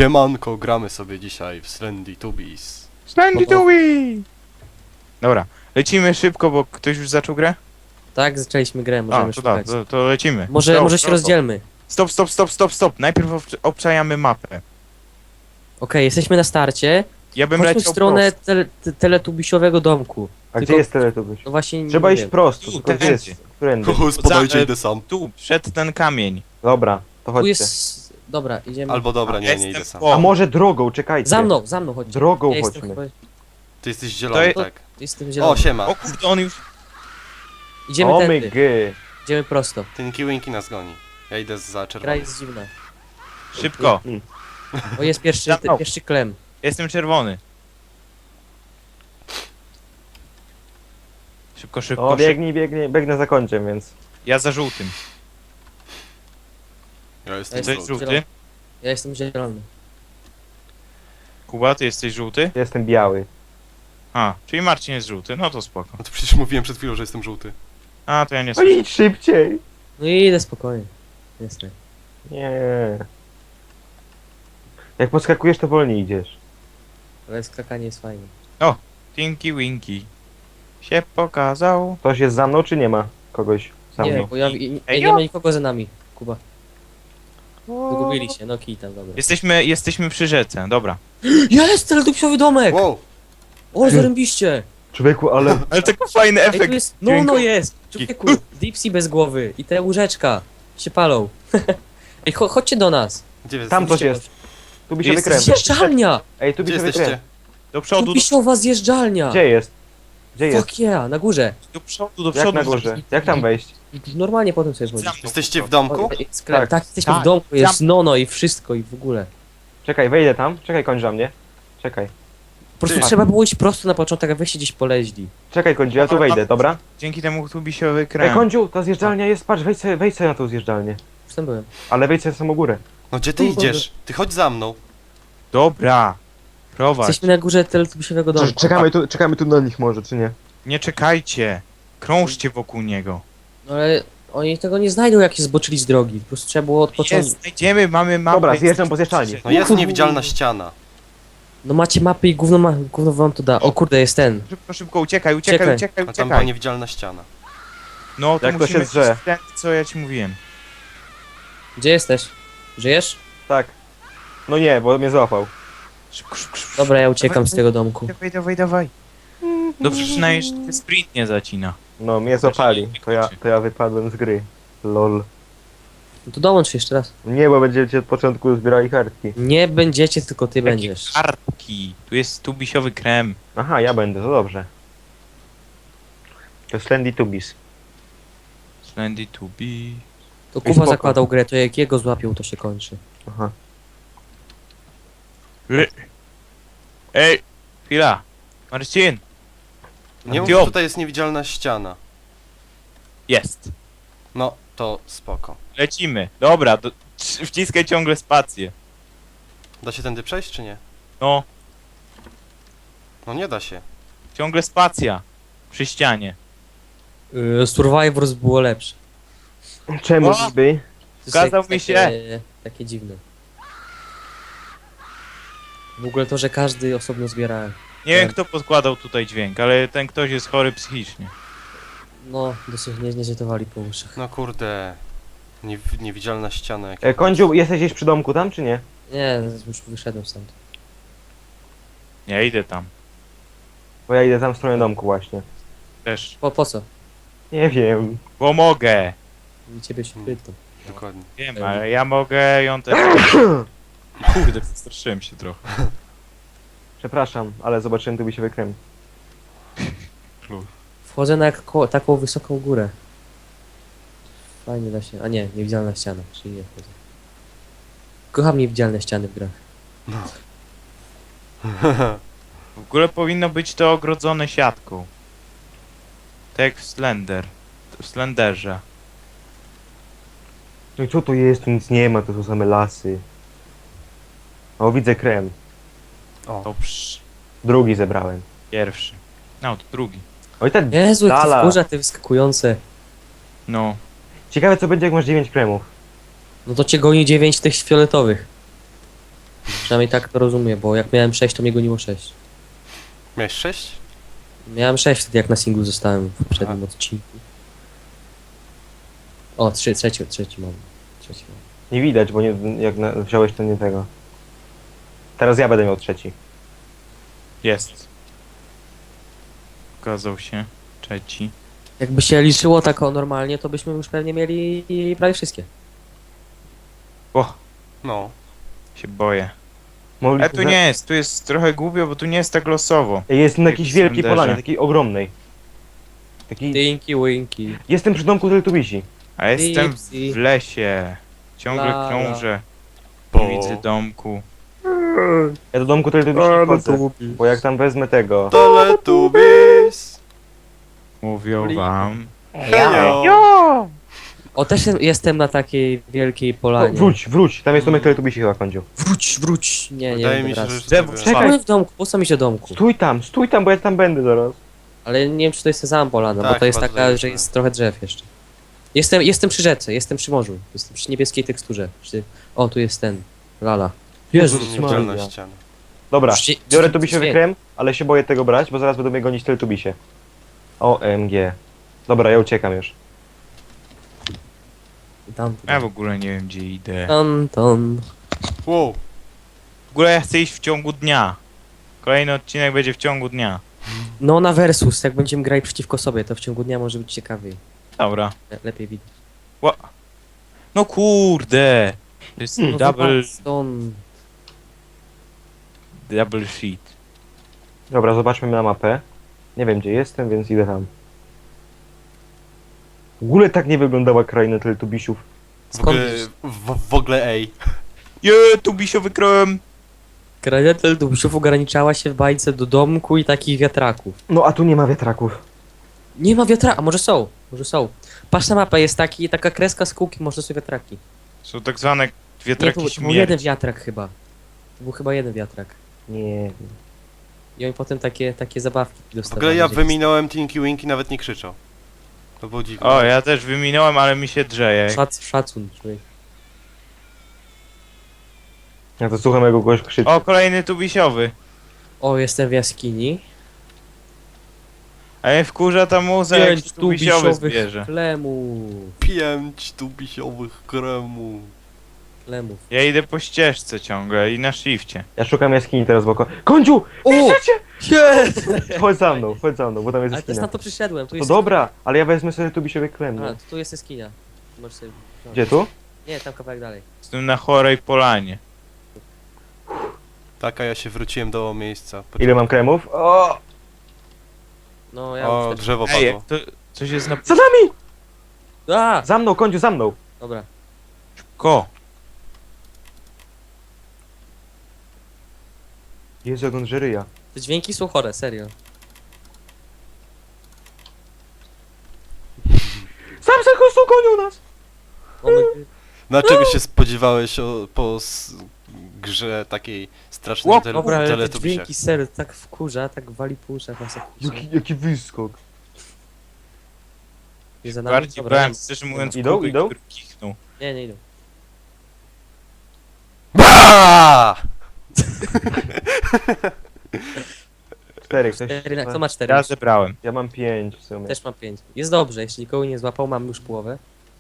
Siemanko, gramy sobie dzisiaj w Slendy Tubbies. Slendy Tubby! Dobra, lecimy szybko, bo ktoś już zaczął grę? Tak, zaczęliśmy grę, możemy to tak, szukać. to lecimy. Może się rozdzielmy. Stop. Najpierw obczajamy mapę. Okej, jesteśmy na starcie. Ja bym Chodźmy w leciał stronę prosto. teletubisiowego domku. A Tylko- gdzie jest Teletubbies? No właśnie Trzeba nie iść wiem. prosto, Tu, tylko gdzie tędy. jest? Którędy? Spadajcie, idę sam. Tu, przed ten kamień. Dobra, to Tu chodźcie. jest... Dobra, idziemy. Albo dobra, nie Jestem idę sam. po- A może drogą, czekajcie. Za mną chodźcie. Drogą Ja jestem chodźmy. chyba... Ty jesteś To zielony, jest- tak. Jestem zielony. O, siema. O kurde, on już... Idziemy O my tędy. gy. Idziemy prosto. Tinky Winky nas goni. Ja idę za Gra czerwonym. jest dziwna. Szybko. O, jest pierwszy, Za mną. pierwszy klem. Jestem czerwony. Szybko. O, biegnę za końcem, więc... Ja za żółtym. Ja Ja jestem To jest żółty. żółty? Ja jestem zielony. Kuba, ty jesteś żółty? Jestem biały. A, czyli Marcin jest żółty, no to spoko. No to przecież mówiłem przed chwilą, że jestem żółty. A, to ja nie No słyszę. idź szybciej! No i idę spokojnie. Jasne. Nie. Jak podskakujesz, to wolniej idziesz. Ale skakanie jest fajne. Tinky Winky się pokazał. Ktoś jest za mną, czy nie ma kogoś za Nie, mną? bo nie ma nikogo za nami. Kuba. Zgubili się, no kij tam, dobra. Jesteśmy przy rzece, dobra. Jest teletubisiowy domek! Wow! O, zarębiście! Człowieku, ale... Ale taki fajny Ej, efekt. tu jest... No dźwiękowy. jest! Człowieku, Dipsy bez głowy i te łóżeczka się palą. Ej, chodźcie do nas. Gdzie wy Tam coś jesteście? jest. Tu by się Jest wykręt. Zjeżdżalnia! Ej, tu by Gdzie się jesteście? wykręt. Do przodu, Tubisiowa zjeżdżalnia! Gdzie jest? Gdzie jest? Fuck yeah, na górze. do przodu. Jak na górze? Jak tam wejść? Normalnie potem sobie wchodzić. Jesteście w domku? Sklep. Tak. Tak, jesteśmy Tak. w domku, jest nono i wszystko i w ogóle. Czekaj, wejdę tam. Czekaj, kończ za mnie. Czekaj. Po prostu Ty. trzeba było iść prosto na początek, a weźcie gdzieś poleźli. Czekaj, Końdziu, ja tu wejdę, dobra? Dzięki temu tu by się Ej, wykręcił. Końdziu, ta zjeżdżalnia jest, patrz, wejdź sobie na tą zjeżdżalnię. Już tam byłem. Ale wejdź sobie na samą górę. No gdzie ty idziesz? Ty chodź za mną. Dobra. Prowadź. Jesteśmy na górze teletubisiowego domku. Czekamy tu na nich może, czy nie? Nie czekajcie. Krążcie wokół niego. No ale oni tego nie znajdą, jak się zboczyli z drogi. Po prostu trzeba było od początku. Jest, znajdziemy, mamy mapę. Dobra, zjeżdżam po zjeżdżalni. No jest niewidzialna ściana. No macie mapy i gówno wam to da. O kurde, jest ten. Szybko, uciekaj. A tam była niewidzialna ściana. No to Jak to się musimy drze? ten, co ja ci mówiłem. Gdzie jesteś? Żyjesz? Tak. No nie, bo mnie złapał. Szybko. Dobra, ja uciekam z tego domku. Dawaj. Dobrze, przynajmniej że ten sprint nie zacina. No, mnie złapali. To ja wypadłem z gry. Lol. No to dołącz jeszcze raz. Nie, bo będziecie od początku zbierali kartki. Nie będziecie, tylko ty Jakie będziesz. kartki. Tu jest tubisiowy krem. Aha, ja będę, to dobrze. To Slendy Tubbies. Slendy tubi. To I Kuba spoko. zakładał grę, to jak jego złapią, to się kończy. Aha. Ej, chwila. Marcin. Nie mów, Gdzie że on? tutaj jest niewidzialna ściana. Jest. No, to spoko. Lecimy. Dobra, wciskaj ciągle spację. Da się tędy przejść, czy nie? No, No nie da się. ciągle spacja. Przy ścianie. Survivors było lepsze. Czemu O! niby? To Zgadzał jest mi Takie dziwne. W ogóle to, że każdy osobno zbiera. Nie wiem kto podkładał tutaj dźwięk, ale ten ktoś jest chory psychicznie. No, dosyć nie zjetowali po uszach. No kurde. Niewidzialna ściana. Jak... Końdziu, jesteś gdzieś przy domku tam, czy nie? Nie, już wyszedłem stąd. Nie idę tam. Bo ja idę tam w stronę domku właśnie. Też. Po co? Nie wiem. Bo mogę. I ciebie się pytam. Dokładnie. Wiem, ale ja mogę ją też. Kurde, straszyłem się trochę. Przepraszam, ale zobaczyłem, tu by się wykręcił. Wchodzę na taką wysoką górę. Fajnie da się. A nie, niewidzialna ściana, czyli nie wchodzę. Kocham niewidzialne ściany w grach. W ogóle powinno być to ogrodzone siatką. Tak jak w w Slenderze. No i co to jest? Tu nic nie ma, to są same lasy. O, widzę krem. O, Dobrze. Drugi zebrałem. Pierwszy. No, to drugi. Oj, ten Jezu, jak to dala. wkurza te wyskakujące. No. Ciekawe co będzie jak masz 9 kremów. No to cię goni 9 tych fioletowych. Przynajmniej tak to rozumiem, bo jak miałem 6, to mnie goniło 6. Miałeś 6? Miałem 6 wtedy, jak na singlu zostałem w poprzednim odcinku. O, trzeci mam. Trzeci mam. Nie widać, bo nie, wziąłeś to nie tego. Teraz ja będę miał trzeci. Jest. Okazał się. Trzeci. Jakby się liczyło tak o normalnie, to byśmy już pewnie mieli prawie wszystkie. O, No. się boję. Mogliśmy Tu nie jest, tu jest trochę głupio, bo tu nie jest tak losowo. Jest na Jak jakiejś w wielkiej Slenderze. polanie, takiej ogromnej. Taki... Dinky winky. Jestem przy domku Teletubisi. A jestem Dipsy. w lesie. Ciągle La, la. krążę. Bo... Nie widzę domku. Ja do domku Teletubisi nie wchodzę, bo jak tam wezmę tego... Teletubbies! Mówią wam. Hejo! O, też jestem na takiej wielkiej O, polanie. wróć, tam jest domek Teletubisi chyba, Kądziu. Wróć. Nie, Wydaje nie, mi się, teraz. że... Drzewo, sobie- czekaj. Byłem w domku, po co mi się domku? Stój tam, bo ja tam będę zaraz. Ale nie wiem, czy to jest ta sama polana, Tak, bo to jest chyba taka, tutaj że jest, jest trochę drzew jeszcze. Jestem przy rzece, jestem przy morzu. Jestem przy niebieskiej teksturze. O, tu jest ten. Lala. Jezus Niewidzialna Maria. ściana. Dobra, Przecież- biorę Tubisiowy Dźwięk. krem, ale się boję tego brać, bo zaraz będą mnie gonić Teletubisie. OMG. Dobra, ja uciekam już. Tam, Ja w ogóle nie wiem, gdzie idę. Ton. Wow. W ogóle ja chcę iść w ciągu dnia. Kolejny odcinek będzie w ciągu dnia. No na versus, jak będziemy grali przeciwko sobie, to w ciągu dnia może być ciekawiej. Dobra. Lepiej widać. No kurde! To jest No double stąd. sheet. Dobra, zobaczmy na mapę. Nie wiem, gdzie jestem, więc idę tam. W ogóle tak nie wyglądała kraina Teletubisiów. Skąd wiesz? W ogóle ej. Tu bisiowy krem! Kraina Teletubbiesów ograniczała się w bajce do domku i takich wiatraków. No, a tu nie ma wiatraków. Nie ma wiatraka, a może są? Może są. Patrz na mapę, jest taka kreska z kółki, może są wiatraki. Są tak zwane Nie, wiatraki to był jeden śmierci. wiatrak chyba. To był chyba jeden wiatrak. Nie. I oni potem takie zabawki W dostawali. ogóle ja gdzie- wyminąłem Tinky Winky, nawet nie krzyczał. To było dziwne. O, ja też wyminąłem, ale mi się drzeje. Szacun, człowiek. Ja to słucham, jak kogoś krzyczy. O, kolejny tubisiowy. O, jestem w jaskini. A mnie wkurza ta muza, jak się tubisiowy zbierze. klemów. 5 tubisiowych kremów. Klemów. Ja idę po ścieżce ciągle i na shifcie. Ja szukam jaskini teraz wokół. Kądziu! O! Jest! Chodź za mną, bo tam jest Ale też jaskinia. na to przyszedłem. Tu To jest... dobra, ale ja wezmę sobie Tubisiowy krem. A, nie? tu jest jaskinia. Możesz sobie... no. Gdzie tu? Nie, tam kawałek dalej. Jestem na chorej polanie. Tak, a ja się wróciłem do miejsca. Ile mam kremów? O! No, ja O, już też... drzewo Ej, padło. to coś jest na... Za nami! A! Za mną, Kądziu, za mną! Dobra. Ko! Jezu, jak on żeryja. Te dźwięki są chore, serio. Sam se chustu gonił nas! Mamy... Na czego się spodziewałeś grze takiej strasznej Ło, Dobra, ale te Teletubbiesiach? dźwięki serio tak wkurza, tak wali po uszach nas jak Jaki wyskok. Nie za nami? Bardziej Dobra, bałem, nie. szczerze mówiąc, Idą, kuby, idą? który kichnął. Nie idą. Ba! 4, ktoś... Kto ma 4? Ja zebrałem. Ja mam 5 w sumie. Też mam 5. Jest dobrze, jeśli nikogo nie złapał, mam już połowę.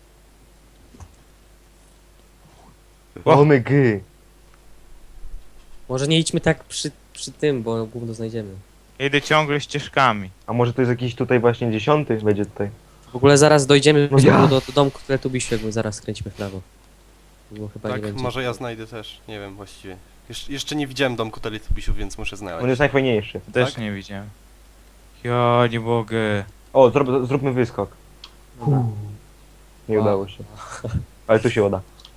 Omygy. Może nie idźmy tak przy tym, bo gówno znajdziemy. Ja idę ciągle ścieżkami. A może to jest jakiś tutaj właśnie 10 będzie tutaj. W ogóle zaraz dojdziemy No ja. do domku Teletubbiesiu, jakby zaraz skręcimy w prawo. Bo chyba nie Tak, będzie. może ja znajdę też. Nie wiem właściwie. Jeszcze nie widziałem domku Teletubbiesiów, więc muszę On znaleźć. jest najfajniejszy. Też Tak? nie widziałem. Ja nie mogę. O, zróbmy wyskok. Dobra. Nie Wow. udało się. Ale tu się uda.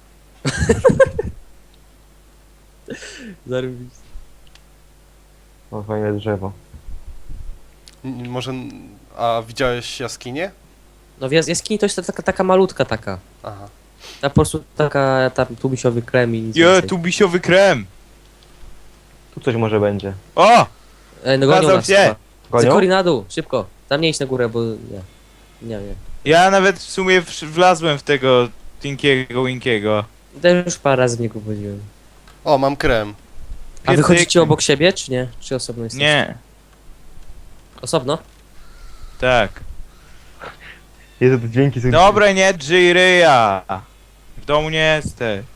Zarobić. O, fajne drzewo. Może... A widziałeś jaskinię? No w jaskini to jest taka malutka taka. Aha. Ta po prostu taka tam tubisiowy krem i nic Je, więcej. tubisiowy krem! Tu coś może będzie. O! Ej, no gonią Zgadzam nas się. chyba. Gonią? Zekori na dół, szybko. Tam nie idź na górę, bo nie. Nie. Ja nawet w sumie wlazłem w tego Tinkiego Winkiego. Też już parę razy w niego wchodziłem. O, mam krem. A wychodzicie obok siebie, czy nie? Czy osobno jesteście? Nie, Osobno? tak. Jezu, te dźwięki są... Dobra, nie drzyj ryja. W domu nie jesteś.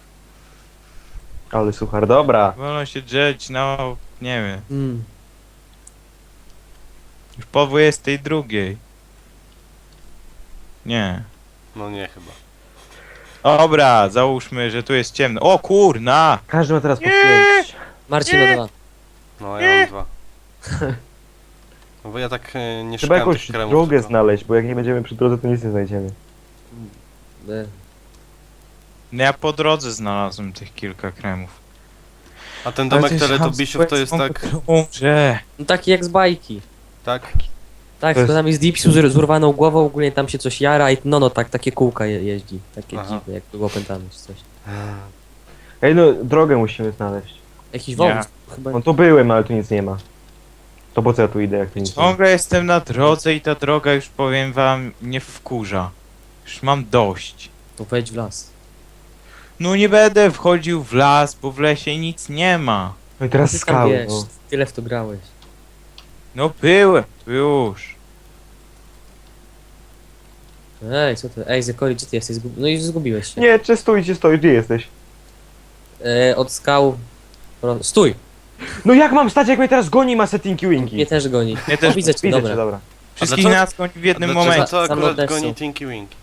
Ale suchar, dobra. Wolno się drzeć, no, nie wiem. Mm. Już po 22. Nie. No nie chyba. Dobra, załóżmy, że tu jest ciemno. O kurna! Każdy ma teraz po Nie. 5. Marcin ma 2. No ja mam 2. No bo ja tak nie Trzeba szukałem jakąś tych kremów. drogę tylko- znaleźć, bo jak nie będziemy przy drodze, to nic nie znajdziemy. No ja po drodze znalazłem tych kilka kremów. A ten domek Ale Teletubisiów to jest tak... Umrze. No taki jak z bajki. Tak? Tak, To to tam jest Dipsu z urwaną głową, ogólnie tam się coś jara i no tak, takie kółka jeździ. Takie Aha. dziwne, jak było opętane czy coś. Ej, no, drogę musimy znaleźć. Jakiś Nie. wąs chyba. No to byłem, ale tu nic nie ma. To po co ja tu idę, jak tu nic nie ma? Ciągle jestem na drodze i ta droga już powiem wam nie wkurza. Już mam dość. To wejdź w las. No nie będę wchodził w las, bo w lesie nic nie ma. No i teraz Ty tam skały, wiesz, no. tyle w to grałeś. No byłem, już. Ej, co ty? Ej, Zekori, gdzie ty jesteś? No i zgubiłeś się. Nie, czy stój, gdzie jesteś? Od skał... Stój! No jak mam stać, jak mnie teraz goni ma settingi winki? Mnie też goni. Mnie też Widzę cię, Widzę dobra. cię, dobra. Wszystkich dlaczego- nas goni w jednym A dlaczego momencie. to Sam akurat odeszł. goni Tinky Winky?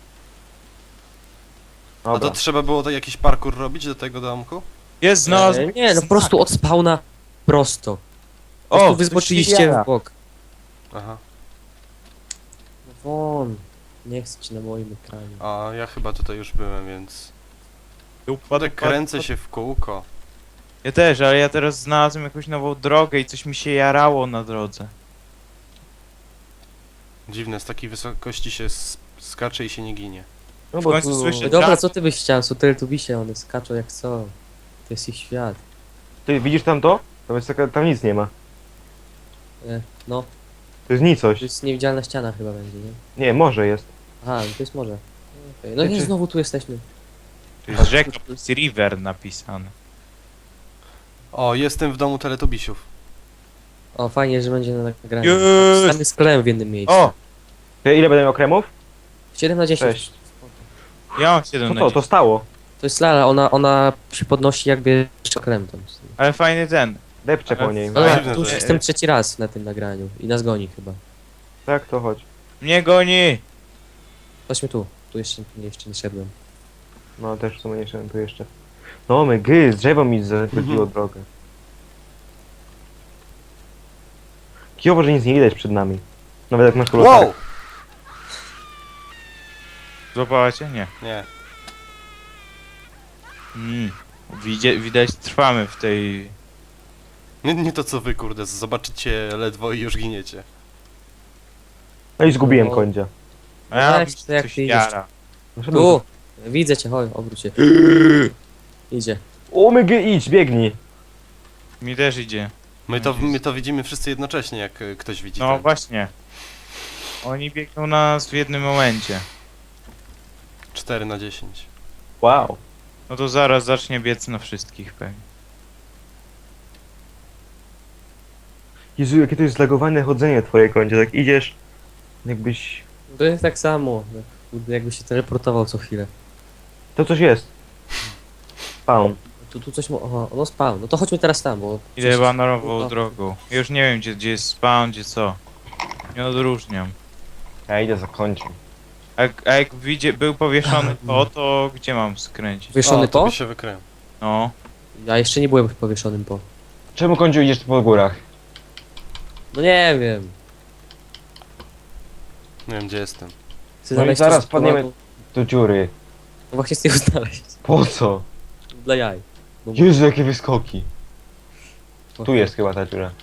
A Dobra. to trzeba było to jakiś parkour robić do tego domku? Jest znalazłem. Nie, no po prostu od spawna prosto. Po O, prostu wy zboczyliście w bok. Aha. No won. Nie chcę ci na moim ekranie. A ja chyba tutaj już byłem, więc... Upadek Kręcę się w kółko. Ja też, ale ja teraz znalazłem jakąś nową drogę i coś mi się jarało na drodze. Dziwne, z takiej wysokości się skacze i się nie ginie. No w końcu No słyszę- dobra, co ty byś chciał? Są Teletubbisie, one skaczą jak co. To jest ich świat. Ty widzisz tam to? Tam, jest taka, tam nic nie ma. No, To jest nicość. to jest niewidzialna ściana chyba będzie, nie? Nie, może jest. Aha, no to jest morze. Okay. No nie, Czy- znowu tu jesteśmy. Tu jest rzeka, tu jest river napisane. O, jestem w domu Teletubisiów. O, fajnie, że będzie na nagraniu. Jest! Tam jest klem w jednym miejscu. O! Ty, ile będę miał kremów? 7 na 10. 6. Ja mam 7 Co na to? 10. To stało. To jest lala, ona się podnosi jakby jeszcze krem tam. Ale fajny ten. Depczę po Ale- niej. Ale- Ale tu już że- jestem trzeci raz na tym nagraniu i nas goni chyba. Tak, to chodź. Mnie goni! Chodźmy tu. Tu jeszcze nie szedłem. No też w sumie nie szedłem tu jeszcze. No my gry, drzewo mi zagrodziło drogę. Kijowo, że nic nie widać przed nami. Nawet jak masz kolosalę. Wow! Złapałacie? Nie. Nie. Widać trwamy w tej... Nie to co wy, kurde, zobaczycie ledwo i już giniecie. No i zgubiłem No. końdzia. A ja Weź, mi to jak coś ty idziesz. jara. Tu! Widzę cię, chodź, obróć się. Idzie. O my gry, idź, biegnij. Mi też idzie. My to widzimy wszyscy jednocześnie, jak ktoś widzi. No ten. właśnie. Oni biegną na nas w jednym momencie. 4 na 10. Wow. No to zaraz zacznie biec na wszystkich pewnie. Jezu, jakie to jest zlagowane chodzenie twoje końdzie. Tak idziesz, jakbyś... To jest tak samo. Kurde, jakby się teleportował co chwilę. To coś jest. Spawn. Tu coś Oho, no spawn. No to chodźmy teraz tam, bo... Idę chyba nową No. drogą. Już nie wiem gdzie jest spawn, gdzie co. Nie odróżniam. Ja idę za końcem. A jak był powieszony to gdzie mam skręcić? Wieszony O, to po? by się wykryłem. No. Ja jeszcze nie byłem powieszonym po. Czemu końdziu idziesz tu po górach? No nie wiem. Nie wiem, gdzie jestem. Chcę No i znaleźć zaraz coś wpadniemy- ponadu- Do dziury. No właśnie chcę ją znaleźć. Po co? Dla jaj. No, Jezu, jakie wyskoki. Tu jest chyba ta dziura.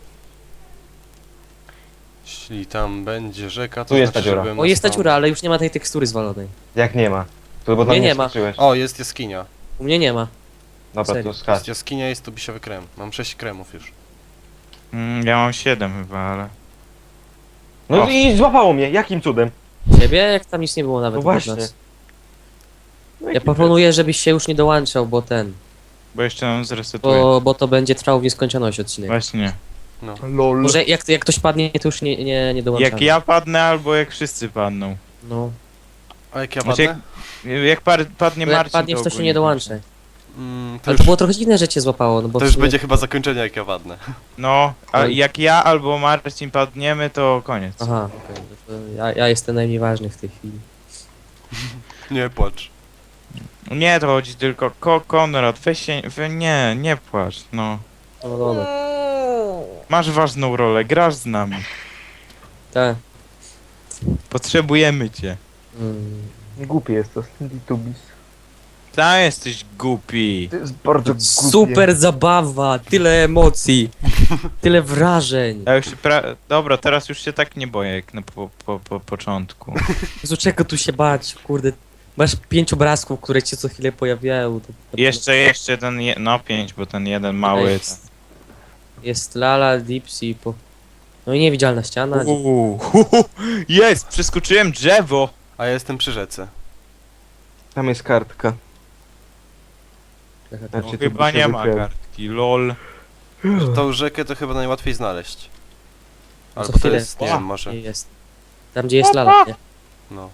Jeśli tam będzie rzeka, to Tu jest znaczy, ta dziura. że byłem O, na jest ta spawnie. dziura, ale już nie ma tej tekstury zwalonej. Jak nie ma? To bo tam Nie, nie nie ma. skoczyłeś. O, jest jaskinia. U mnie nie ma. Dobra, serio. to skacz. Jest jaskinia, jest tu bisiowy krem. Mam 6 kremów już. Ja mam 7 chyba, ale... No O. i złapało mnie, jakim cudem? Ciebie? Jak tam nic nie było nawet No oprócz właśnie. nas. No Ja jaki proponuję, żebyś się już nie dołączał, bo ten... Bo jeszcze nam zresetuję. bo to będzie trwał w nieskończoność odcinek. Właśnie. No. LOL. Może jak ktoś padnie, to już nie dołączamy. Jak ja padnę, albo jak wszyscy padną. No, A jak ja Znaczy, padnę? Jak padnie bo jak Marcin, padniesz, to się ogólnie nie dołączę. To Ale już, to było trochę dziwne, że cię złapało, no bo to w już sumie- będzie chyba zakończenie jak ja padnę. No, a Oj. jak ja albo Marcin padniemy, to koniec. Aha, okej. No to ja jestem najmniej ważny w tej chwili. Nie płacz. Nie, to chodzi tylko Konrad, weź się, nie płacz, no. No dobra. Masz ważną rolę, grasz z nami. Tak. Potrzebujemy cię. Mm. Głupi jest to, Slendy Tubis. Tam jesteś głupi. To jest bardzo głupie. Super zabawa, tyle emocji, tyle wrażeń. Ja już się Dobra, teraz już się tak nie boję jak na początku. Jezu, czego tu się bać, kurde. Masz 5 obrazków, które ci co chwilę pojawiają. Jeszcze ten, no 5, bo ten jeden mały. Jest Lala, Dipsy, no i niewidzialna ściana. Jest, przeskoczyłem drzewo. A ja jestem przy rzece. Tam jest kartka. Jaka to- No, Znaczy, chyba się nie ma wykrył. kartki, lol. Tą rzekę to chyba najłatwiej znaleźć. Co Albo to chwilę. jest, nie wiem, może. Nie jest. Tam gdzie jest Lala, nie? No.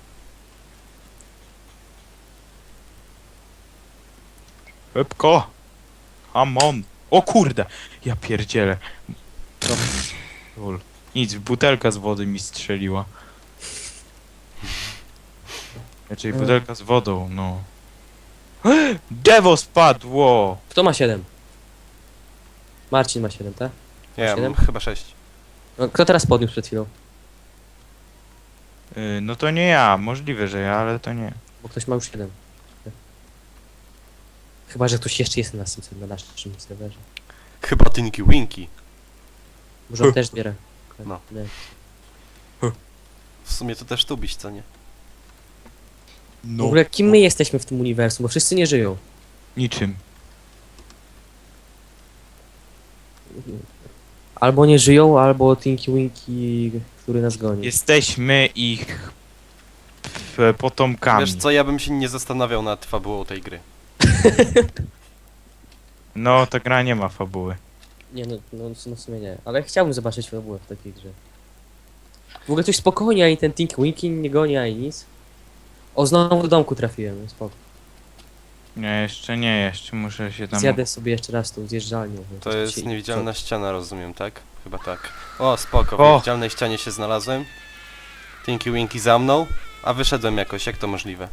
Szybko. Come on. O kurde, ja pierdzielę. Lol. Nic, butelka z wody mi strzeliła. Czyli butelka z wodą, no. Drzewo spadło! Kto ma 7? Marcin ma 7, tak? Nie, ja mam 7? chyba 6. No, kto teraz podniósł przed chwilą? No to nie ja, możliwe, że ja, ale to nie. Bo ktoś ma już 7. Chyba, że ktoś jeszcze jest na naszym serwerze. Chyba Tinky Winky. Może on też zbiera. No. Nie. W sumie to też tubiś, co nie? W No. ogóle kim my jesteśmy w tym uniwersum, bo wszyscy nie żyją. Niczym. Albo nie żyją, albo Tinky Winky, który nas goni. Jesteśmy ich potomkami. Wiesz co, ja bym się nie zastanawiał nad fabułą tej gry. No, ta gra nie ma fabuły. Nie, no w sumie nie. Ale chciałbym zobaczyć fabułę w takiej grze. W ogóle coś spokojnie, ani ten Tinky Winky nie goni, ani nic. O, znowu do domku trafiłem, spoko. Nie, jeszcze muszę się tam... Zjadę sobie jeszcze raz tą zjeżdżalnią. bo To coś jest się- niewidzialna ściana, rozumiem, tak? Chyba tak. O, spoko, w O! niewidzialnej ścianie się znalazłem. Tinky Winky za mną, a wyszedłem jakoś, jak to możliwe?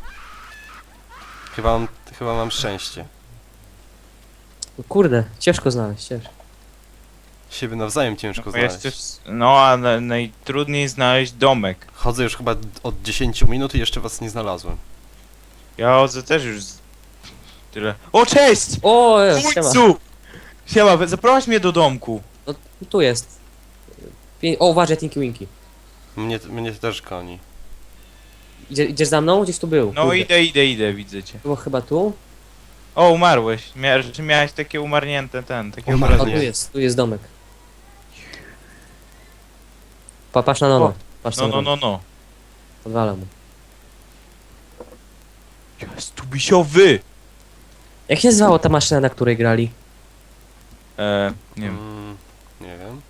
Chyba mam szczęście. No kurde, ciężko znaleźć, ciężko. Siebie nawzajem ciężko No, znaleźć. no, a najtrudniej znaleźć domek. Chodzę już chyba od 10 minut i jeszcze was nie znalazłem. Ja chodzę też już tyle. O, cześć! O, siema. Ujcu! Siema, zaprowadź mnie do domku. No, tu jest. O, uważaj, Tinky Winky. Mnie też goni. Idziesz za mną? Gdzieś tu był. No Kurde. idę, widzę cię. Było chyba tu? O, umarłeś. Czy miałeś takie umarnięte takie Umarł. O, obrazy? tu jest domek. Patrz na nono. O, Patrz na No. Podwalam mu. Jest tubisiowy! Jak się nazywała ta maszyna, na której grali? Nie wiem. Nie wiem.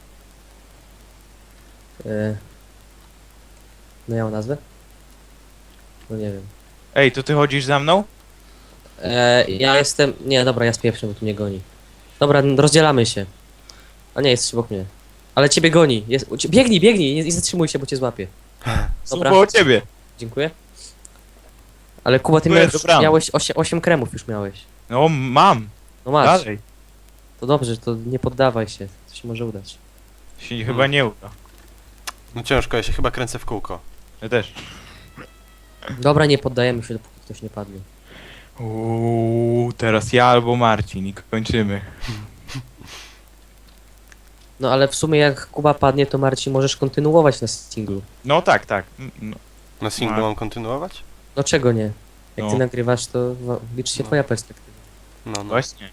No miała nazwę? No nie wiem. Ej, to ty chodzisz za mną? Ja jestem... Nie, dobra, ja spieprzę, bo tu mnie goni. Dobra, rozdzielamy się. A nie, jesteś obok mnie. Ale ciebie goni. Biegnij, nie zatrzymuj się, bo cię złapie. Dobra. Słuchaj o ciebie. Dziękuję. Ale Kuba, ty Dziękuję, miałeś, dobranoc. miałeś 8 kremów już miałeś. No, mam. No masz. Dalej. To dobrze, to nie poddawaj się. To się może udać. Się chyba nie uda. No ciężko, ja się chyba kręcę w kółko. Ja też. Dobra, nie poddajemy się, dopóki ktoś nie padnie. Teraz ja albo Marcin i kończymy. No ale w sumie jak Kuba padnie, to Marcin możesz kontynuować na singlu. No tak. No, Na singlu No. mam kontynuować? No czego nie? Jak ty No. nagrywasz, to liczy się No. twoja perspektywa. No. właśnie.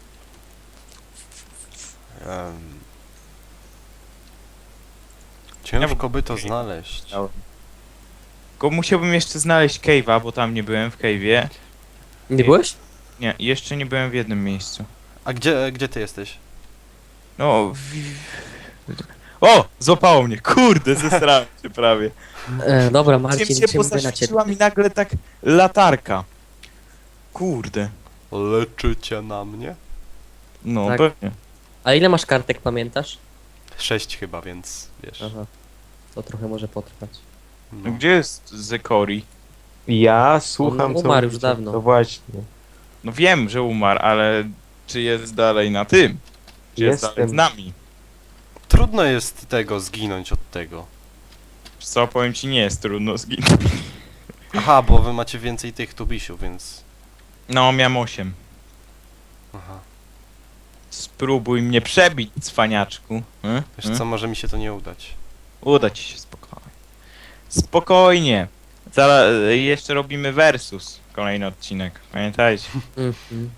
Ciężko by to znaleźć. Tylko musiałbym jeszcze znaleźć cave'a, bo tam nie byłem w cave'ie. Nie byłeś? Nie, jeszcze nie byłem w jednym miejscu. A gdzie ty jesteś? No... O! Złapało mnie, kurde, zesrałem się prawie. Dobra, Marcin, Marcin, się, bo liczymy na ciebie. zaświeciła mi nagle tak latarka. Kurde. Leczycie na mnie? No, Tak. pewnie. A ile masz kartek, pamiętasz? 6 chyba, więc wiesz. Aha. To trochę może potrwać. No. Gdzie jest Zekori? Ja słucham, On co umarł już mówicie. dawno. No właśnie. No wiem, że umarł, ale czy jest dalej na tym? Czy jest dalej z Jestem. nami? Trudno jest tego zginąć od tego. Co, powiem ci, nie jest trudno zginąć. Aha, bo wy macie więcej tych tubisiów, więc... No, miałem 8. Aha. Spróbuj mnie przebić, cwaniaczku. Wiesz co, może mi się to nie udać. Uda ci się spokojnie. Spokojnie. Zaraz jeszcze robimy versus. Kolejny odcinek. Pamiętajcie. Mhm.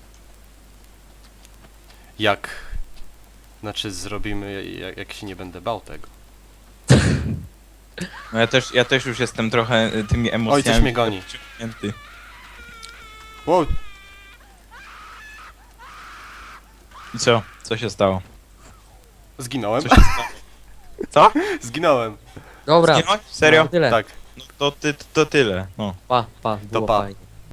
Jak? Znaczy zrobimy, jak się nie będę bał tego. No ja też już jestem trochę tymi emocjami. Oj, coś mnie goni. wciągnięty. Wow, I co? Co się stało? zginąłem. Co się stało? Co? Zginąłem. Dobra, Zginąłeś? Serio? no tyle. Tak. No to tyle. No. Pa, było pa. fajnie.